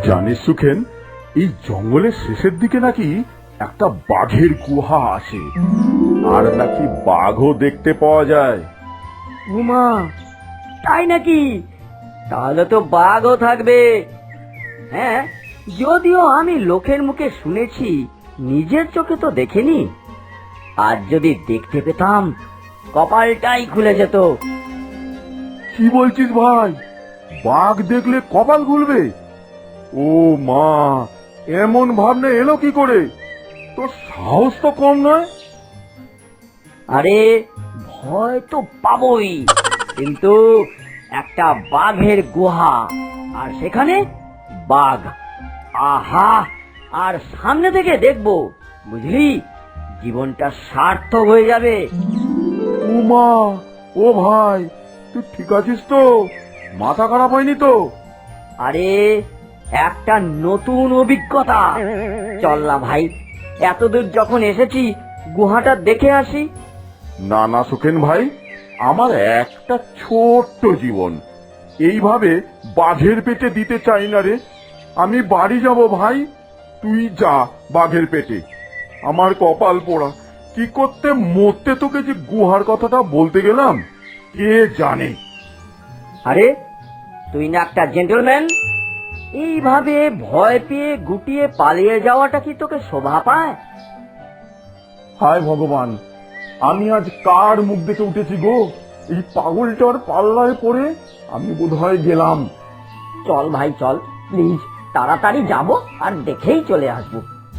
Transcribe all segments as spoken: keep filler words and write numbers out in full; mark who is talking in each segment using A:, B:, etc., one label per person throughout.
A: জানিস সুখেন, এই জঙ্গলের শেষের দিকে নাকি একটা বাঘের গুহা আছে, আর নাকি বাঘও দেখতে পাওয়া যায়।
B: উমা, তাই নাকি? তাহলে তো বাঘও থাকবে। হ্যাঁ, যদিও আমি লোকের মুখে শুনেছি, নিজের চোখে তো দেখিনি। আজ যদি দেখতে পেতাম, কপালটাই খুলে যেত।
A: কি বলছিস ভাই? বাঘ দেখলে কপাল খুলবে? ও মা, এমন ভাবনা এলো কি করে? তোর সাহস তো কম নয়।
B: আরে, ভয় তো পাবই, কিন্তু একটা বাঘের গুহা, আর সেখানে বাঘ, আহা! আর সামনে থেকে দেখবো, বুঝলি, জীবনটা সার্থক হয়ে যাবে।
A: ও মা, ও ভাই, তুই ঠিক আছিস তো? মাথা খারাপ হয়নি তো?
B: আরে, একটা নতুন অভিজ্ঞতা। চল না ভাই, এতদূর যখন এসেছি, গুহাটা দেখে আসি।
A: না না সুখেন ভাই, আমার একটা ছোট্ট জীবন এইভাবে বাঘের পেটে দিতে চাই না রে। আমি বাড়ি যাব ভাই, তুই যা বাঘের পেটে। আমার কপাল পোড়া, কি করতে মরতে তোকে যে গুহার কথাটা বলতে গেলাম, কে জানে।
B: আরে, তুই না একটা জেন্টলম্যান, এইভাবে ভয় পেয়ে গুটিয়ে পালিয়ে যাওয়াটা কি তোকে শোভা পায়?
A: হায় ভগবান, আমি আজ কার মুখ দেখে উঠেছি গো? এই পাগলটার পাল্লায় পড়ে আমি বোধহয় গেলাম।
B: চল ভাই চল, প্লিজ, তাড়াতাড়ি যাব আর দেখেই চলে আসব।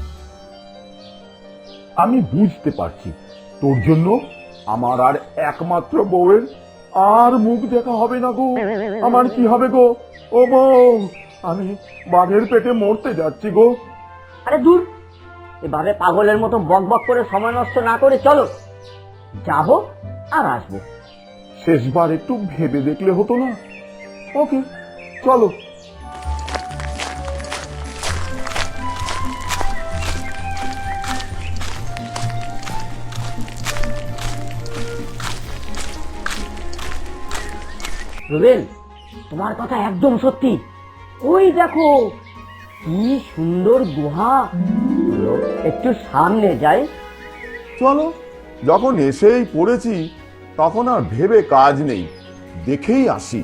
A: আমি বুঝতে পারছি তোর জন্য আমার আর একমাত্র বউয়ের আর মুখ দেখা হবে না গো। আমার কি হবে গো? ও বউ, আমি বাঘের পেটে মরতে যাচ্ছি গো।
B: আরে দূর, এভাবে পাগলের মতো বক বক করে সময় নষ্ট না করে চলো, যাব আর আসবো।
A: শেষবার একটু ভেবে দেখলে হতো না? ওকে, চলো।
B: রুবেল, তোমার কথা একদম সত্যি। ওই দেখো, কি সুন্দর গুহা। চলো, একটু সামনে যাই।
A: চলো, যখন এসেই পড়েছি তখন আর ভেবে কাজ নেই, দেখেই আসি।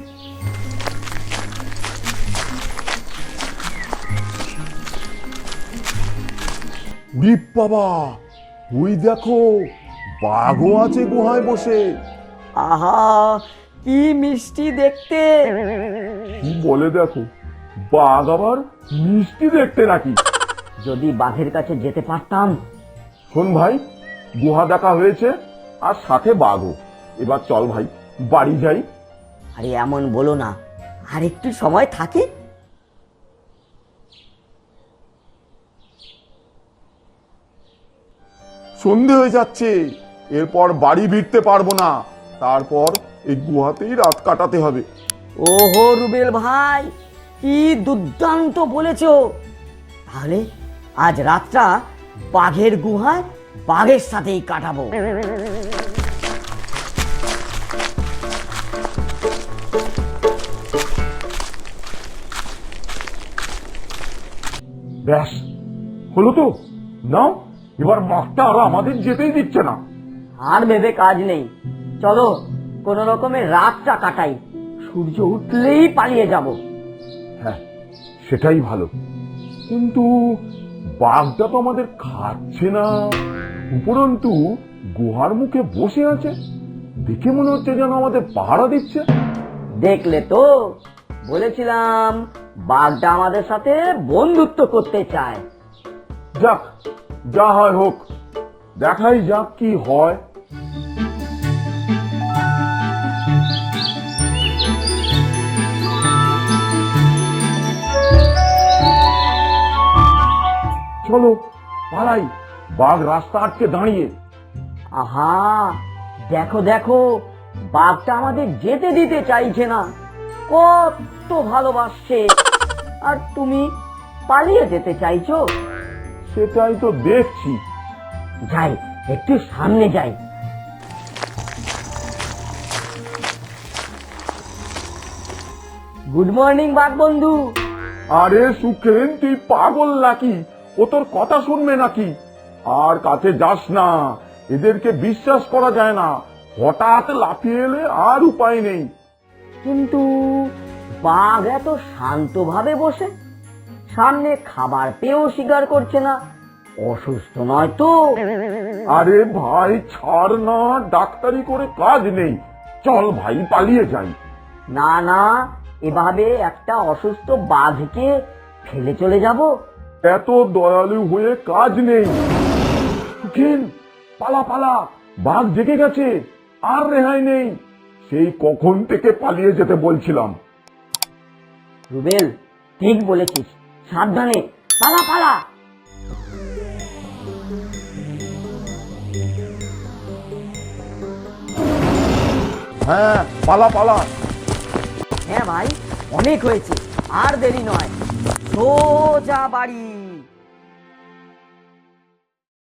A: উরি বাবা, ওই দেখো, বাঘও আছে গুহায় বসে।
B: আহা, কি মিষ্টি দেখতে।
A: কি বলে দেখো, বাঘ আবার মিষ্টি দেখতে নাকি?
B: যদি বাঘের কাছে যেতে পারতাম।
A: শোন ভাই, গুহা দেখা হয়েছে আর সাথে বাঘও। এবার চল ভাই, বাড়ি যাই।
B: আরে এমন বলো না, আর একটু সময় থাকি।
A: সন্ধে হয়ে যাচ্ছে, এরপর বাড়ি ফিরতে পারবো না, তারপর এই গুহাতেই রাত কাটাতে হবে।
B: ওহো রুবেল ভাই, কি দুর্দান্ত বলেছো। তাহলে আজ রাতটা বাঘের গুহায় বাঘের সাথেই কাটাবো।
A: ব্যাস, হলো তো। নাও, এবার মাঠটা আর আমাদের যেতেই দিচ্ছে না।
B: আর ভেবে কাজ নেই, চলো কোন রকমের রাতটা কাটাই, সূর্য উঠলেই পালিয়ে যাব।
A: হ্যাঁ, সেটাই ভালো। কিন্তু বাঘটা তো আমাদের খাচ্ছে না, উপরন্তু গুহার মুখে বসে আছে। দেখে মনে হচ্ছে যেন আমাদের পাহারা দিচ্ছে।
B: দেখলে তো, বলেছিলাম বাঘটা আমাদের সাথে বন্ধুত্ব করতে চায়।
A: যাক, যা হয় হোক, দেখাই যাক কি হয়। চলো পালাই, বাঘ রাস্তা আটকে দাঁড়িয়ে।
B: আহা, দেখো দেখো, বাঘটা আমাদের যেতে দিতে চাইছে না। কত ভালোবাসছে, আর তুমি পালিয়ে যেতে চাইছো।
A: সেটাই তো দেখছি।
B: যাই, একটু সামনে যাই। গুড মর্নিং বাঘ বন্ধু,
A: আরে সুখেন, তুই পাগল নাকি? ও তোর কথা শুনবে নাকি? আর কাছে যাস না, এদেরকে বিশ্বাস করা যায় না। হঠাৎ লাফিয়ে এলে আর উপায় নেই।
B: কিন্তু বাঘ এত শান্তভাবে বসে, সামনে খাবার পেয়েও স্বীকার করছে না, অসুস্থ নয় তো?
A: আরে ভাই ছাড় না, ডাক্তারি করে কাজ নেই। চল ভাই, পালিয়ে যাই।
B: না না, এভাবে একটা অসুস্থ বাঘকে ফেলে চলে যাব?
A: এত দয়ালু হয়ে কাজ নেই। সুখেন, পালা পালা, বাঘ জেগে গেছে, আর রেহাই নেই। সেই কখন থেকে পালিয়ে যেতে বলছিলাম।
B: রুবেল, ঠিক বলেছিস, সাবধানে পালা পালা।
A: হ্যাঁ, পালা পালা।
B: হ্যাঁ ভাই, অনেক হয়েছে, আর দেরি নয়, সোজা বাড়ি।